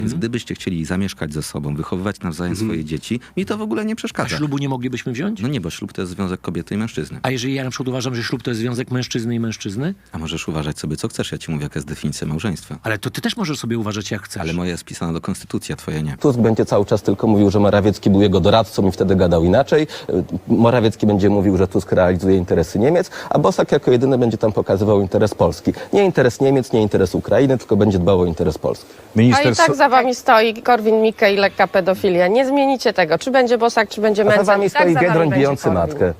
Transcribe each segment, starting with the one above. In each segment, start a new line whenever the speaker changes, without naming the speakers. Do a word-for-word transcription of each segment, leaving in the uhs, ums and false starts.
Więc gdybyście chcieli zamieszkać ze sobą, wychowywać nawzajem
Mhm.
swoje dzieci, mi to w ogóle nie
A
przeszkadza.
ślubu nie moglibyśmy wziąć?
No nie, bo ślub to jest związek kobiety i mężczyzny.
A jeżeli ja na przykład uważam, że ślub to jest związek mężczyzny i mężczyzny?
A możesz uważać sobie, co chcesz. Ja ci mówię, jaka jest definicja małżeństwa.
Ale to ty też możesz sobie uważać, jak chcesz.
Ale moja jest pisana do konstytucji, a twoja nie.
Tusk będzie cały czas tylko mówił, że Morawiecki był jego doradcą i wtedy gadał inaczej. Morawiecki będzie mówił, że Tusk realizuje interesy Niemiec, a Bosak jako jedyny będzie tam pokazywał interes Polski. Nie interes Niemiec, nie interes Ukrainy, tylko będzie dbał o interes Polski.
A i tak za wami stoi Korwin-Mikke i lekka pedofilia. Nie zmienicie tego. Czy będzie Bosak, czy będzie
A za
Mencen.
wami
I tak
stoi
za wami
Biedroń
będzie
bijący
Korwin.
matkę.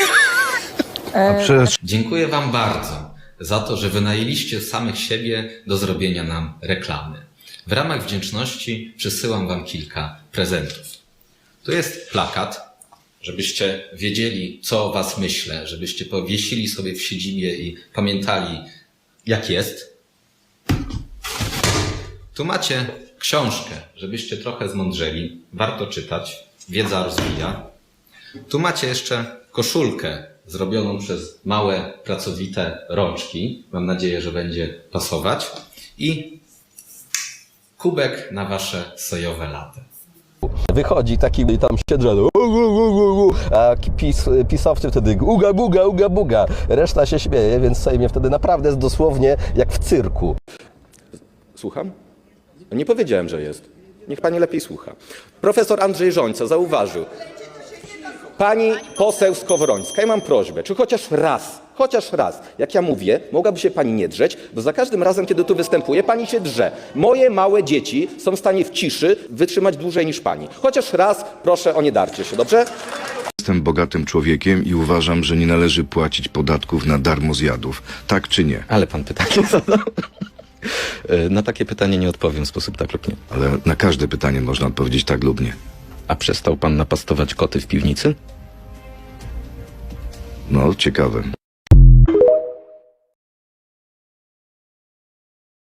Dziękuję wam bardzo za to, że wynajęliście samych siebie do zrobienia nam reklamy. W ramach wdzięczności przysyłam wam kilka prezentów. Tu jest plakat, żebyście wiedzieli, co o was myślę, żebyście powiesili sobie w siedzibie i pamiętali, jak jest. Tu macie książkę, żebyście trochę zmądrzeli. Warto czytać. Wiedza rozwija. Tu macie jeszcze koszulkę zrobioną przez małe, pracowite rączki. Mam nadzieję, że będzie pasować. I kubek na wasze sojowe latte.
Wychodzi taki i tam się drze, u, u, u, u, a pis, pisowcy wtedy uga, buga, uga, buga. Reszta się śmieje, więc Sejmie wtedy naprawdę jest dosłownie jak w cyrku. Słucham? Nie powiedziałem, że jest. Niech pani lepiej słucha. Profesor Andrzej Żońca zauważył. Pani poseł Skowrońska, ja mam prośbę, czy chociaż raz, chociaż raz, jak ja mówię, mogłaby się pani nie drzeć, bo za każdym razem, kiedy tu występuję, pani się drze. Moje małe dzieci są w stanie w ciszy wytrzymać dłużej niż pani. Chociaż raz proszę o nie darcie się, dobrze?
Jestem bogatym człowiekiem i uważam, że nie należy płacić podatków na darmo zjadów. Tak czy nie?
Ale pan pytanie zadał. Na takie pytanie nie odpowiem w sposób tak lub nie.
Ale na każde pytanie można odpowiedzieć tak lub nie.
A przestał pan napastować koty w piwnicy?
No, ciekawe.